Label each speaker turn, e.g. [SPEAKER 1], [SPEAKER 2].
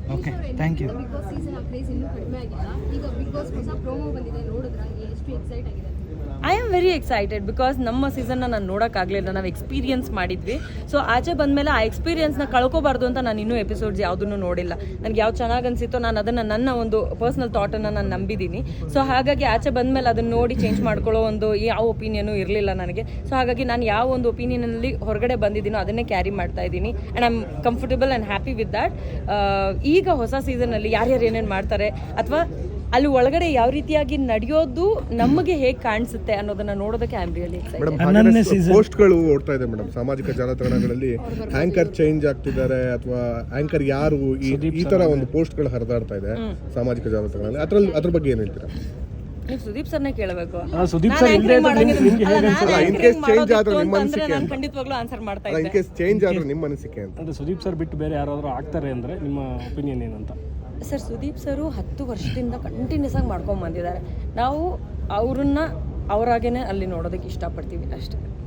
[SPEAKER 1] Okay thank you.
[SPEAKER 2] Big boss season craze ಇನ್ನೂ ಕಡಿಮೆ ಆಗಿಲ್ಲ. ಈಗ ಬಿಗ್ ಬಾಸ್ ಹೊಸ ಪ್ರೋಮೋ ಬಂದಿದೆ, ನೋಡಿದ್ರಾ? ಎಷ್ಟು ಎಕ್ಸೈಟ್ ಆಗಿದೆ?
[SPEAKER 3] I am very excited because ನಮ್ಮ ಸೀಸನ್ನ ನಾನು ನೋಡೋಕ್ಕಾಗಲಿಲ್ಲ, ನಾವು ಎಕ್ಸ್ಪೀರಿಯನ್ಸ್ ಮಾಡಿದ್ವಿ. ಸೊ ಆಚೆ ಬಂದಮೇಲೆ ಆ ಎಕ್ಸ್ಪೀರಿಯನ್ಸ್ನ ಕಳ್ಕೊಬಾರ್ದು ಅಂತ ನಾನು ಇನ್ನೂ ಎಪಿಸೋಡ್ಸ್ ಯಾವುದನ್ನು ನೋಡಿಲ್ಲ. ನನಗೆ ಯಾವ್ದು ಚೆನ್ನಾಗಿ ಅನಿಸಿತ್ತೋ ನಾನು ಅದನ್ನು ನನ್ನ ಒಂದು ಪರ್ಸ್ನಲ್ ಥಾಟನ್ನು ನಾನು ನಂಬಿದ್ದೀನಿ. ಸೊ ಹಾಗಾಗಿ ಆಚೆ ಬಂದಮೇಲೆ ಅದನ್ನು ನೋಡಿ ಚೇಂಜ್ ಮಾಡ್ಕೊಳ್ಳೋ ಒಂದು ಯಾವ ಒಪಿನಿಯನು ಇರಲಿಲ್ಲ ನನಗೆ. ಸೊ ಹಾಗಾಗಿ ನಾನು ಯಾವ ಒಂದು ಒಪಿನಿಯನಲ್ಲಿ ಹೊರಗಡೆ ಬಂದಿದ್ದೀನೋ ಅದನ್ನೇ ಕ್ಯಾರಿ ಮಾಡ್ತಾ ಇದ್ದೀನಿ and I am comfortable and happy with that. ಈಗ ಹೊಸ ಸೀಸನಲ್ಲಿ ಯಾರ್ಯಾರು ಏನೇನು ಮಾಡ್ತಾರೆ ಅಥವಾ ಅಲ್ಲಿ ಒಳಗಡೆ ಯಾವ ರೀತಿಯಾಗಿ ನಡೆಯೋದು ನಮಗೆ ಹೇಗೆ ಕಾಣಿಸುತ್ತೆ ಅನ್ನೋದನ್ನ ನೋಡೋದಕ್ಕೆ ಐ ಆಮ್ ರಿಯಲಿ ಎಕ್ಸೈಟೆಡ್.
[SPEAKER 4] ಪೋಸ್ಟ್ಗಳು ಓಡ್ತಾ ಇದೆ ಮೇಡಮ್ ಸಾಮಾಜಿಕ ಜಾಲತಾಣಗಳಲ್ಲಿ, ಆಂಕರ್ ಚೇಂಜ್ ಆಗ್ತಿದ್ದಾರೆ ಅಥವಾ ಆಂಕರ್ ಯಾರು ಈ ತರ ಒಂದು ಪೋಸ್ಟ್ಗಳು ಹರಿದಾಡ್ತಾ ಇದೆ ಸಾಮಾಜಿಕ ಜಾಲತಾಣಗಳಲ್ಲಿ. ಅದ್ರ ಬಗ್ಗೆ ಏನ್ ಹೇಳ್ತೀರಾ?
[SPEAKER 3] ನೀವು ಸುದೀಪ್ ಸರ್ನೇ ಕೇಳಬೇಕು.
[SPEAKER 1] Sudeep sir
[SPEAKER 4] in case change ಆದ್ರೆ ನಿಮ್ಮ ಅನಿಸಿಕೆ
[SPEAKER 3] ನಾನು ಖಂಡಿತವಾಗ್ಲೂ ಆನ್ಸರ್ ಮಾಡ್ತಾ ಇದ್ದೆ.
[SPEAKER 4] ಇನ್ ಕೇಸ್ ಚೇಂಜ್ ಆದ್ರೆ ನಿಮ್ಮ ಅನಿಸಿಕೆ ಅಂತ.
[SPEAKER 1] ಅಂದ್ರೆ ಸುದೀಪ್ ಸರ್ ಬಿಟ್ಟು ಬೇರೆ ಯಾರಾದರೂ ಆಗ್ತಾರೆ ಅಂದ್ರೆ ನಿಮ್ಮ ಒಪಿನಿಯನ್ ಏನಂತ?
[SPEAKER 3] ಸರ್, ಸುದೀಪ್ ಸರು 10 ವರ್ಷದಿಂದ ಕಂಟಿನ್ಯೂಸ್ ಆಗಿ ಮಾಡ್ಕೊಂಡು ಬಂದಿದ್ದಾರೆ. ನಾವು ಅವ್ರನ್ನ ಅವರಾಗೇನೆ ಅಲ್ಲಿ ನೋಡೋದಕ್ಕೆ ಇಷ್ಟಪಡ್ತೀವಿ ಅಷ್ಟೇ.